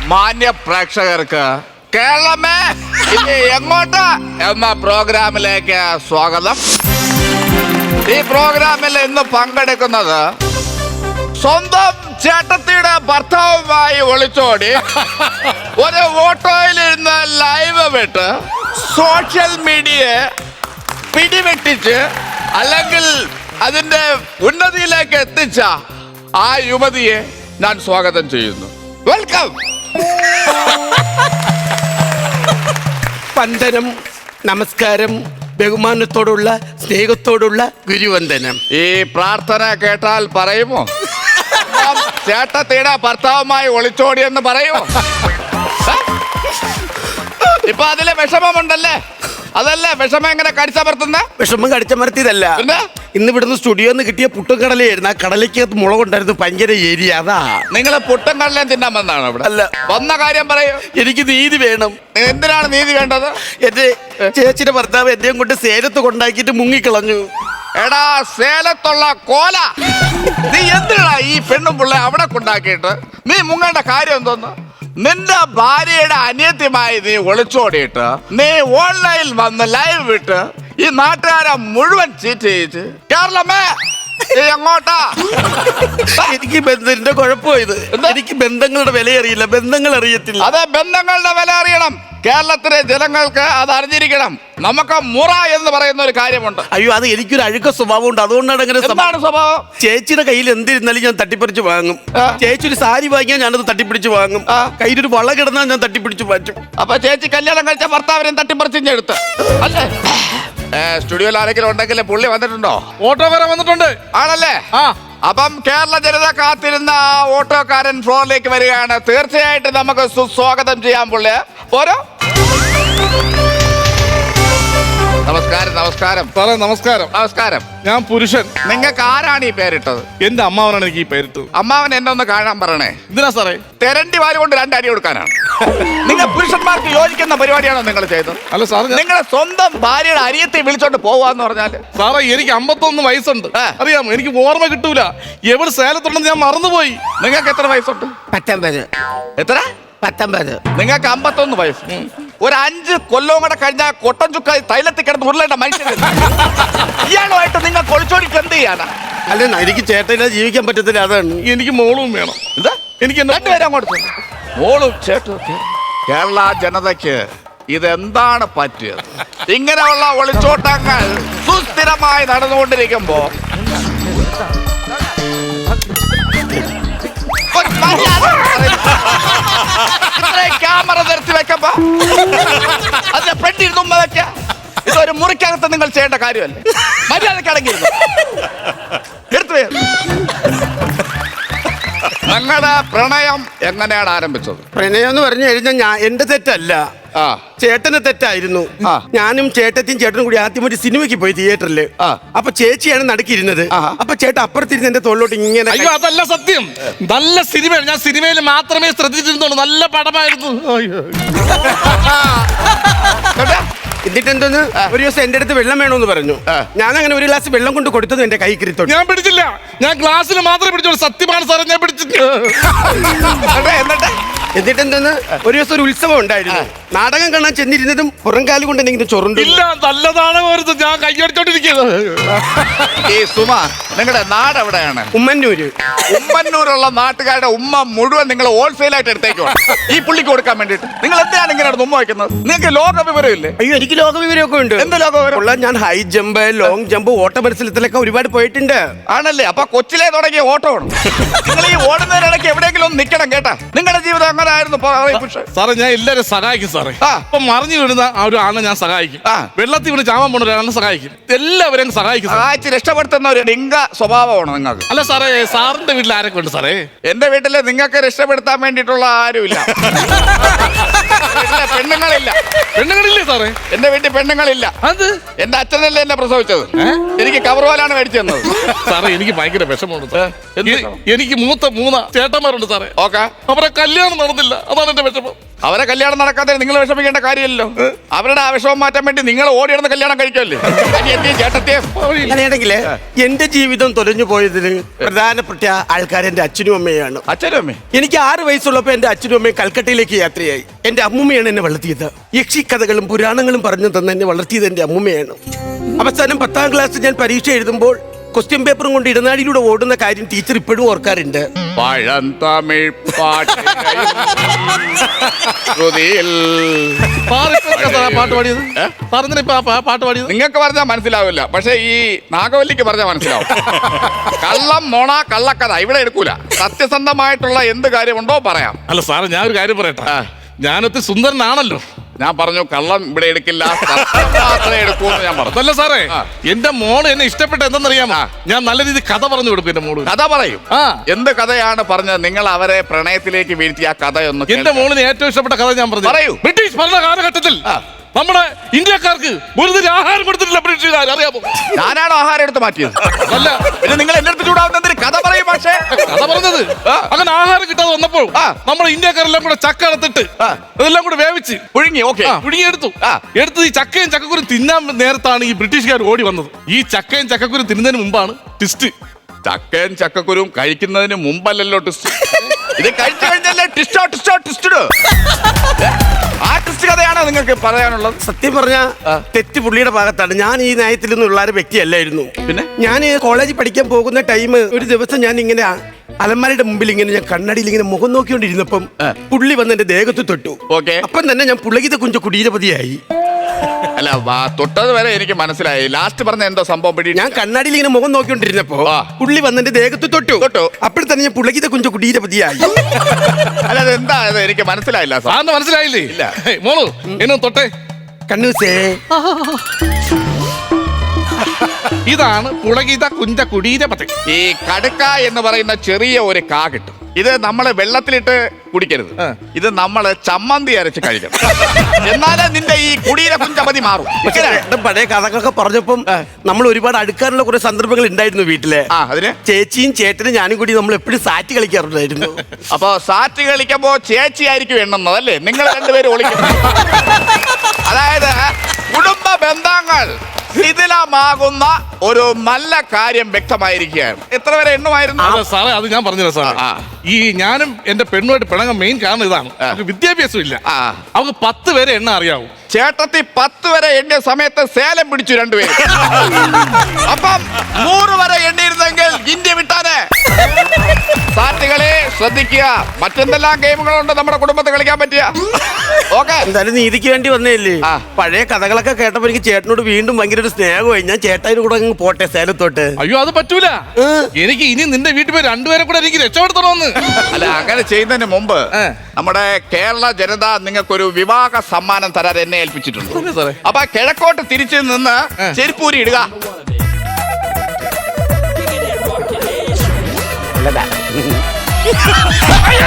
മാന്യ പ്രേക്ഷകർക്ക് കേരളമേ ഇനി എങ്ങോട്ട് എന്ന പ്രോഗ്രാമിലേക്ക് സ്വാഗതം. ഈ പ്രോഗ്രാമിൽ ഇന്ന് പങ്കെടുക്കുന്നത് സ്വന്തം ചേട്ടത്തിയുടെ ഭർത്താവുമായി ഒളിച്ചോടി ഒരു ഓട്ടോയിലിരുന്ന് ലൈവ് വിട്ട് സോഷ്യൽ മീഡിയയെ പിടിവെട്ടിച്ച് അല്ലെങ്കിൽ അതിന്റെ ഉന്നതിയിലേക്ക് എത്തിച്ച ആ യുവതിയെ ഞാൻ സ്വാഗതം ചെയ്യുന്നു. വെൽക്കം. വന്ദനം, നമസ്കാരം, ബഹുമാനത്തോടുള്ള സ്നേഹത്തോടുള്ള ഗുരുവന്ദനം. ഈ പ്രാർത്ഥന കേട്ടാൽ പറയുമോ ചേട്ടത്തിയുടെ ഭർത്താവുമായി ഒളിച്ചോടിയെന്ന് പറയുമോ? ഇപ്പൊ അതിലെ വിഷമമുണ്ടല്ലേ? അതല്ലേ വിഷമം എങ്ങനെ കടിച്ചമർത്തുന്ന? വിഷമം കടിച്ചമർത്തിയതല്ല, ഇന്ന് ഇവിടുന്ന് സ്റ്റുഡിയോന്ന് കിട്ടിയ പുട്ടും കടലയായിരുന്നു. ആ കടലയ്ക്കകത്ത് മുളകുണ്ടായിരുന്നു, ഭയങ്കര ഏരിയ. അതാ നിങ്ങൾ പുട്ടും കടലയും തിന്നാൻ വന്നാണ് ഇവിടെ? അല്ല. വന്ന കാര്യം പറയൂ. എനിക്ക് നീതി വേണം. എന്തിനാണ് നീതി വേണ്ടത്? എന്റെ ചേച്ചിയുടെ ഭർത്താവ് എന്നെയും കൊണ്ട് സേലത്ത് കൊണ്ടാക്കിയിട്ട് മുങ്ങിക്കളഞ്ഞു. എടാ സേലത്തുള്ള കോല, നീ എന്തിനാ ഈ പെണ്ണും പിള്ളെ അവിടെ കൊണ്ടാക്കിയിട്ട് നീ മുങ്ങേണ്ട കാര്യം എന്തോന്ന്? നിന്റെ ഭാര്യയുടെ അനിയത്യമായി നീ ഒളിച്ചോടിയിട്ട് നീ ഓൺലൈനിൽ വന്ന് ലൈവ് വിട്ട് ഈ നാട്ടുകാരെ മുഴുവൻ ചീറ്റ് ചെയ്യിച്ച് കേരളമേ എങ്ങോട്ടാ? എനിക്ക് ബന്ധത്തിന്റെ കുഴപ്പമായത്. എനിക്ക് ബന്ധങ്ങളുടെ വില അറിയില്ല, ബന്ധങ്ങൾ അറിയത്തില്ല. അതെ, ബന്ധങ്ങളുടെ വില അറിയണം. കേരളത്തിലെ ജനങ്ങൾക്ക് അത് അറിഞ്ഞിരിക്കണം. നമുക്ക് മുറ എന്ന് പറയുന്ന ഒരു കാര്യമുണ്ട്. അയ്യോ, അത് എനിക്കൊരു അഴുക്ക സ്വഭാവം ഉണ്ട്, അതുകൊണ്ടാണ് അങ്ങനെ. എന്താണ് സ്വഭാവം? ചേച്ചിയുടെ കയ്യിൽ എന്തിരുന്നാലും ഞാൻ തട്ടിപ്പറിച്ച് വാങ്ങും. ചേച്ചി ഒരു സാരി വാങ്ങിയാൽ ഞാനത് തട്ടിപ്പിടിച്ച് വാങ്ങും. കയ്യിലൊരു വള കിടന്നാൽ ഞാൻ തട്ടിപ്പിടിച്ച് മാറ്റും. അപ്പൊ ചേച്ചി കല്യാണം കഴിച്ച ഭർത്താവിനെയും തട്ടിപ്പറിച്ചെടുത്ത് അല്ലേ? സ്റ്റുഡിയോയിൽ ആരെങ്കിലും ഉണ്ടെങ്കിൽ പുള്ളി വന്നിട്ടുണ്ടോ? ഓട്ടോക്കാരൻ വന്നിട്ടുണ്ട്. ആണല്ലേ? ആ, അപ്പം കേരള ജനത കാത്തിരുന്ന ആ ഓട്ടോക്കാരൻ ഫ്ലോറിലേക്ക് വരികയാണ്. തീർച്ചയായിട്ടും നമുക്ക് സുസ്വാഗതം ചെയ്യാം പുള്ളി. പോരോ. നമസ്കാരം. നമസ്കാരം സാറേ. നമസ്കാരം. നമസ്കാരം. ഞാൻ പുരുഷൻ. നിങ്ങൾക്ക് ആരാണ് ഈ പേരിട്ടത്? എന്റെ അമ്മാവനാണ് എനിക്ക് ഈ പേരിട്ടത്. അമ്മാവൻ എന്നെ ഒന്ന് കാണാൻ പറയണേ. എന്തിനാ സാറേ? തെരണ്ടി വാരി കൊണ്ട് 2 അടി കൊടുക്കാനാണ്. നിങ്ങൾ പുരുഷന്മാർക്ക് യോജിക്കുന്ന പരിപാടിയാണോ നിങ്ങൾ ചെയ്തത്? അല്ല സാറേ, നിങ്ങളെ സ്വന്തം ഭാര്യയുടെ അരിയത്തെ വിളിച്ചോണ്ട് പോവാന്ന് പറഞ്ഞാല്? സാറേ എനിക്ക് 51 വയസ്സുണ്ട്. അറിയാമോ? എനിക്ക് ഓർമ്മ കിട്ടൂല. എവിടെ സേലത്തുണ്ടെന്ന് ഞാൻ മറന്നുപോയി. നിങ്ങൾക്ക് എത്ര വയസ്സുണ്ട്? 19. എത്ര? 19. നിങ്ങൾക്ക് 51 വയസ്സ്. ഒരു 5 കൊല്ലവും കൂടെ കഴിഞ്ഞാൽ കൊട്ടൻ ചുക്ക തൈലത്തിൽ കിടന്ന് ഉരുളേണ്ട മനുഷ്യൻ ഇയാളുമായിട്ട് നിങ്ങൾ കൊളിച്ചോടിക്ക് എന്ത് ചെയ്യാനാ? അല്ല, എനിക്ക് ചേട്ടനില്ലാതെ ജീവിക്കാൻ പറ്റത്തില്ല, അതാണ്. എനിക്ക് മോളും വേണം. എന്താ? എനിക്ക് രണ്ടുപേരും അങ്ങോട്ട് മോളും ചേട്ടും ഒക്കെ. കേരള ജനതയ്ക്ക് ഇതെന്താണ് പറ്റിയത്? ഇങ്ങനെയുള്ള ഒളിച്ചോട്ടങ്ങൾ സുസ്ഥിരമായി നടന്നുകൊണ്ടിരിക്കുമ്പോ ക്യാമറ നിർത്തി വെക്കുമ്പോ അതിന്റെ ഫ്രണ്ടിൽ തുമ്പ വെക്ക. ഇതൊരു മുറിക്കകത്ത് നിങ്ങൾ ചെയ്യേണ്ട കാര്യമല്ലേ? മര്യാദക്കടങ്ങിയിരുന്നു എടുത്തു. ഞങ്ങളുടെ പ്രണയം എങ്ങനെയാണ് ആരംഭിച്ചത്? പ്രണയം എന്ന് പറഞ്ഞു കഴിഞ്ഞാൽ എന്റെ തെറ്റല്ല, ചേട്ടന് തെറ്റായിരുന്നു. ഞാനും ചേട്ടത്തിയും ചേട്ടനും കൂടി ആദ്യം ഒരു സിനിമയ്ക്ക് പോയി തിയേറ്ററിൽ. അപ്പൊ ചേച്ചിയാണ് നടുക്കിരുന്നത്. അപ്പൊ ചേട്ടൻ അപ്പുറത്തിരുന്ന് എന്റെ തോളിലോട്ട് ഇങ്ങനെ. അയ്യോ, അതല്ല സത്യം. നല്ല സിനിമയാണ്. ഞാൻ സിനിമയിൽ മാത്രമേ ശ്രദ്ധിച്ചിരുന്നുള്ളൂ. നല്ല പടമായിരുന്നു. എന്നിട്ട് എന്തോന്ന് ഒരു ദിവസം എന്റെ അടുത്ത് വെള്ളം വേണമെന്ന് പറഞ്ഞു. ഞാൻ അങ്ങനെ ഒരു ഗ്ലാസ് വെള്ളം കൊണ്ട് കൊടുത്തത് എന്റെ കൈ കിരിത്തോട്ട്. ഞാൻ പിടിച്ചില്ല. ഞാൻ ഗ്ലാസ്സിൽ മാത്രമേ പിടിച്ചോളൂ. സത്യമാണ് സാറേ, ഞാൻ പിടിച്ചിട്ട്. എന്നിട്ട് എന്തോന്ന് ഒരു ദിവസം ഒരു ഉത്സവം ഉണ്ടായിരുന്നു. നാടകം കാണാൻ ചെന്നിരുന്നതും പുറംകാലി കൊണ്ട് എന്തെങ്കിലും ചൊറുണ്ട്. ഇല്ല, നല്ലതാണ്. ഞാൻ കൈയടിച്ചോണ്ടിരിക്കുന്നത്. ഈ സുമ, നിങ്ങളുടെ നാട് എവിടെയാണ്? ഉമ്മന്നൂര്. ഉമ്മന്നൂരുള്ള നാട്ടുകാരുടെ ഉമ്മ മുഴുവൻ നിങ്ങൾ ഹോൾസെയിലായിട്ട് എടുത്തേക്കോ ഈ പുള്ളിക്ക് കൊടുക്കാൻ വേണ്ടിട്ട്. നിങ്ങൾ എന്തിനാണ് ഇങ്ങനെ ഉമ്മ വയ്ക്കുന്നത്? നിങ്ങൾക്ക് ലോക വിവരം ഇല്ലേ? അയ്യോ, എനിക്ക് ലോക വിവരമൊക്കെ ഉണ്ട്. എന്ത് ലോക വിവരം? ഞാൻ ഹൈ ജമ്പ്, ലോങ് ജമ്പ്, ഓട്ട മത്സരത്തിലൊക്കെ ഒരുപാട് പോയിട്ടുണ്ട്. ആണല്ലേ? അപ്പൊ കൊച്ചിലെ തുടങ്ങിയ ഓട്ടമാണ്. നിങ്ങൾ ഈ ഓടുന്നതിനിടയ്ക്ക് എവിടെയെങ്കിലും ഒന്ന് നിൽക്കണം കേട്ടാ. നിങ്ങളുടെ ജീവിതം എങ്ങനെ ആയിരുന്നു? സാറേ, ഞാൻ എല്ലാവരും സഹായിക്കും സാറേ. അപ്പൊ മറിഞ്ഞു വീഴുന്ന ആ ഒരു ആളെ ഞാൻ സഹായിക്കും. വെള്ളത്തിൽ വീണ് ചാവാൻ പോണ ഒരാളെ സഹായിക്കും. എല്ലാവരെയും സഹായിക്കും. സഹായിച്ച് രക്ഷപ്പെടുത്തുന്ന ഒരു ഡിങ്ക സ്വഭാവമാണ് നിങ്ങൾക്ക്. അല്ല സാറേ, സാറിന്റെ വീട്ടിൽ ആരൊക്കെ ഉണ്ട് സാറേ? എന്റെ വീട്ടില് നിങ്ങൾക്ക് രക്ഷപ്പെടുത്താൻ വേണ്ടിയിട്ടുള്ള ആരുമില്ല. പെണ്ണുങ്ങളില്ല. പെണ്ണുങ്ങളില്ലേ സാറേ? എന്റെ വീട്ടിൽ പെണ്ണുങ്ങളില്ല. അത് എന്റെ അച്ഛനല്ലേ എന്നെ പ്രസവിച്ചത്. എനിക്ക് കവർ പോലാണ് മേടിച്ചു തന്നത്. സാറേ, എനിക്ക് ഭയങ്കര വിഷമമുണ്ട്. എനിക്ക് മൂത്ത 3 ചേട്ടന്മാരുണ്ട് സാറേ. ഓക്കെ. അവരെ കല്യാണം നടന്നില്ല, അതാണ് എന്റെ വിഷമം. അവരെ കല്യാണം നടക്കാതെ നിങ്ങൾ വിഷമിക്കേണ്ട കാര്യമല്ലോ. അവരുടെ ആവശ്യവും മാറ്റാൻ വേണ്ടി നിങ്ങൾ ഓടിയിടുന്ന കല്യാണം കഴിക്കുമല്ലേ. ചേട്ടത്തെ അങ്ങനെയാണെങ്കില് എന്റെ ജീവിതം തൊലഞ്ഞു പോയതിന് പ്രധാനപ്പെട്ട ആൾക്കാർ എന്റെ അച്ഛനും അമ്മയാണ്. അച്ഛനും അമ്മേ, എനിക്ക് 6 വയസ്സുള്ളപ്പോ എന്റെ അച്ഛനും അമ്മയും കൽക്കട്ടയിലേക്ക് യാത്രയായി. എന്റെ അമ്മൂമ്മയാണ് എന്നെ വളർത്തിയത്. യക്ഷിക്കഥകളും പുരാണങ്ങളും പറഞ്ഞു തന്നെ എന്നെ വളർത്തിയത് എന്റെ അമ്മൂമ്മയാണ്. അവസാനം 10ാം ക്ലാസ് ഞാൻ പരീക്ഷ എഴുതുമ്പോൾ ക്വസ്റ്റ്യൻ പേപ്പറും കൊണ്ട് ഇടനാഴിയിലൂടെ ഓടുന്ന കാര്യം ടീച്ചർ ഇപ്പോഴും ഓർക്കാറുണ്ട്. പഴന്തമിഴ് പാട്ട് പാട്ട് പാടിയത് പാട്ട് പാടിയത് നിങ്ങൾക്ക് പറഞ്ഞാൽ മനസ്സിലാവില്ല, പക്ഷെ ഈ നാഗവല്ലിക്ക് പറഞ്ഞാൽ മനസ്സിലാവും. കള്ളം, നോണ, കള്ളക്കഥ ഇവിടെ എടുക്കൂല. സത്യസന്ധമായിട്ടുള്ള എന്ത് കാര്യമുണ്ടോ പറയാം. അല്ല സാറേ, ഞാൻ ഒരു കാര്യം പറയട്ടെ. ഞാനൊത്തി സുന്ദരനാണല്ലോ. ഞാൻ പറഞ്ഞു കള്ളം ഇവിടെ എടുക്കില്ല, മാത്രമേ എടുക്കൂന്ന് ഞാൻ പറഞ്ഞു. അതല്ല സാറേ, എന്റെ മോള് എന്നെ ഇഷ്ടപ്പെട്ട എന്തെന്നറിയാമോ? ഞാൻ നല്ല രീതിയിൽ കഥ പറഞ്ഞു കൊടുക്കും. എന്റെ മോള് കഥ പറയും. എന്ത് കഥയാണ് പറഞ്ഞത്? നിങ്ങൾ അവരെ പ്രണയത്തിലേക്ക് വീഴ്ത്തിയ കഥയൊന്നും. എന്റെ മോളിന് ഏറ്റവും ഇഷ്ടപ്പെട്ട കഥ ഞാൻ പറഞ്ഞു. പറയൂ. ബ്രിട്ടീഷ് ഭരണ കാലഘട്ടത്തിൽ നമ്മുടെ ഇന്ത്യക്കാർക്ക് ഒരു തരം ആഹാരം കൊടുത്തിട്ടില്ല ബ്രിട്ടീഷുകാർ, അറിയാമോ? ഞാനാണോ ആഹാരം എടുത്ത് മാറ്റിയത്? അല്ല, പിന്നെ നിങ്ങൾ എന്റെ അടുത്ത് ചൂടാവുന്നതിന് കഥ പറയും. പക്ഷേ കഥ പറഞ്ഞത് അങ്ങനെ ആഹാരം കിട്ടാതെ വന്നപ്പോൾ നമ്മുടെ ഇന്ത്യക്കാരെല്ലാം കൂടെ ചക്ക എടുത്തിട്ട് അതെല്ലാം കൂടെ വേവിച്ച് പുഴുങ്ങി. ഓക്കെ, പുഴുങ്ങിയെടുത്തു. എടുത്ത് ഈ ചക്കയും ചക്കക്കുരും തിന്നാൻ നേരത്താണ് ഈ ബ്രിട്ടീഷുകാർ ഓടി വന്നത്. ഈ ചക്കയും ചക്കക്കുരും തിന്നുന്നതിന് മുമ്പാണ് ട്വിസ്റ്റ്. ചക്കയും ചക്കക്കുരും കഴിക്കുന്നതിന് മുമ്പല്ലല്ലോ ട്വിസ്റ്റ്. ഇത് കഴിച്ചു കഴിഞ്ഞല്ലേ ടിസ്റ്റോ ടിസ്റ്റോ ടിസ്റ്റഡ്. ആ ടിസ്റ്റ് കഥയാണോ നിങ്ങൾക്ക് പറയാനുള്ളത്? സത്യം പറഞ്ഞ തെറ്റ് പുള്ളിയുടെ ഭാഗത്താണ്. ഞാൻ ഈ നയത്തിൽ നിന്നുള്ള ഒരു വ്യക്തിയല്ലായിരുന്നു. പിന്നെ ഞാൻ കോളേജിൽ പഠിക്കാൻ പോകുന്ന ടൈം ഒരു ദിവസം ഞാൻ ഇങ്ങനെ അലമാരയുടെ മുമ്പിൽ ഇങ്ങനെ ഞാൻ കണ്ണടിയിൽ ഇങ്ങനെ മുഖം നോക്കിക്കൊണ്ടിരുന്നപ്പം പുള്ളി വന്ന് എന്റെ ദേഹത്ത് തൊട്ടു. ഓക്കെ, അപ്പം തന്നെ ഞാൻ പുളകിത കുഞ്ച കുടീരപതിയായി. അല്ല, തൊട്ടത് വരെ എനിക്ക് മനസ്സിലായി. ലാസ്റ്റ് പറഞ്ഞ എന്തോ സംഭവം പിടി. ഞാൻ കണ്ണാടിയിൽ ഇങ്ങനെ മുഖം നോക്കിക്കൊണ്ടിരുന്നപ്പോ പുള്ളി വന്ന് എന്റെ ദേഹത്ത് തൊട്ടു. അപ്പോൾ തന്നെ ഞാൻ പുളകിത കുഞ്ച കുടീരപതിയായി. അല്ല, അതെന്താ എനിക്ക് മനസ്സിലായില്ല. സാറിന് മനസ്സിലായില്ലേ? ഇല്ല. മോളു എന്നെ തൊട്ടെ. കണ്ണൂസേ, ഇതാണ് പുളകിത കുഞ്ച കുടീരപതി. ഈ കടുക്ക എന്ന് പറയുന്ന ചെറിയ ഒരു കാ കിട്ടും. ഇത് നമ്മള് വെള്ളത്തിലിട്ട് കുടിക്കരുത്. ഇത് നമ്മള് ചമ്മന്തി അരച്ച് കഴിക്കണം. എന്നാലേ നിന്റെ ഈ കുടീര കുഞ്ചപതി മാറും. പഴയ കഥകളൊക്കെ പറഞ്ഞപ്പം നമ്മൾ ഒരുപാട് അടുക്കാനുള്ള കുറെ സന്ദർഭങ്ങൾ ഉണ്ടായിരുന്നു വീട്ടിലെ. അതിന് ചേച്ചിയും ചേട്ടനും ഞാനും കൂടി നമ്മൾ എപ്പോഴും സാറ്റ് കളിക്കാറുണ്ടായിരുന്നു. അപ്പൊ സാറ്റ് കളിക്കുമ്പോ ചേച്ചി ആയിരിക്കും എണ്ണുന്നത് അല്ലേ? നിങ്ങൾ രണ്ടുപേരും ഒളിക്കും. അതായത് കുടുംബ ബന്ധങ്ങൾ ശിഥിലമാകുന്ന ഒരു നല്ല കാര്യം വ്യക്തമായിരിക്കുകയാണ്. എത്ര വരെ എണ്ണുമായിരുന്നു സാറേ? അത് ഞാൻ പറഞ്ഞില്ല സാറേ. ഈ ഞാനും എന്റെ പെണ്ണുമായിട്ട് പിണങ്ങാൻ മെയിൻ കാരണം ഇതാണ്. അവർക്ക് വിദ്യാഭ്യാസം ഇല്ല. അവർക്ക് 10 വരെ എണ്ണ അറിയാവൂ. ചേട്ടത്തി 10 വരെ എണ്ണിയ സമയത്ത് സേലം പിടിച്ചു രണ്ടുപേരും. അപ്പം 100 വരെ എണ്ണിയിരുന്നെങ്കിൽ ഇന്ത്യ വിട്ടാനെ. സാറ്റുകളെ ശ്രദ്ധിക്കുക. മറ്റെന്തെല്ലാം ഗെയിമുകളുണ്ട് നമ്മുടെ കുടുംബത്തിൽ കളിക്കാൻ പറ്റിയ. ഓക്കെ, എന്തായാലും നീതിക്ക് വേണ്ടി വന്നേല്ലേ. പഴയ കഥകളൊക്കെ കേട്ടപ്പോ എനിക്ക് ചേട്ടനോട് വീണ്ടും ഭയങ്കര ഒരു സ്നേഹമായി. ഞാൻ ചേട്ടായിന് കൂടെ അങ്ങ് പോട്ടെ സേലത്തോട്ട്. അയ്യോ, അത് പറ്റൂല. എനിക്ക് ഇനി നിന്റെ വീട്ടിൽ പോയി 2 പേരെ കൂടെ എനിക്ക് രക്ഷപ്പെടുത്തണമെന്ന്. അല്ല, അങ്ങനെ ചെയ്യുന്നതിന് മുമ്പ് നമ്മുടെ കേരള ജനത നിങ്ങൾക്കൊരു വിവാഹ സമ്മാനം തരാൻ എന്നെ ഏൽപ്പിച്ചിട്ടുണ്ട്. അപ്പൊ കിഴക്കോട്ട് തിരിച്ചു നിന്ന് ചെരുപ്പൂരി ഇടുക. നല്ലതാ.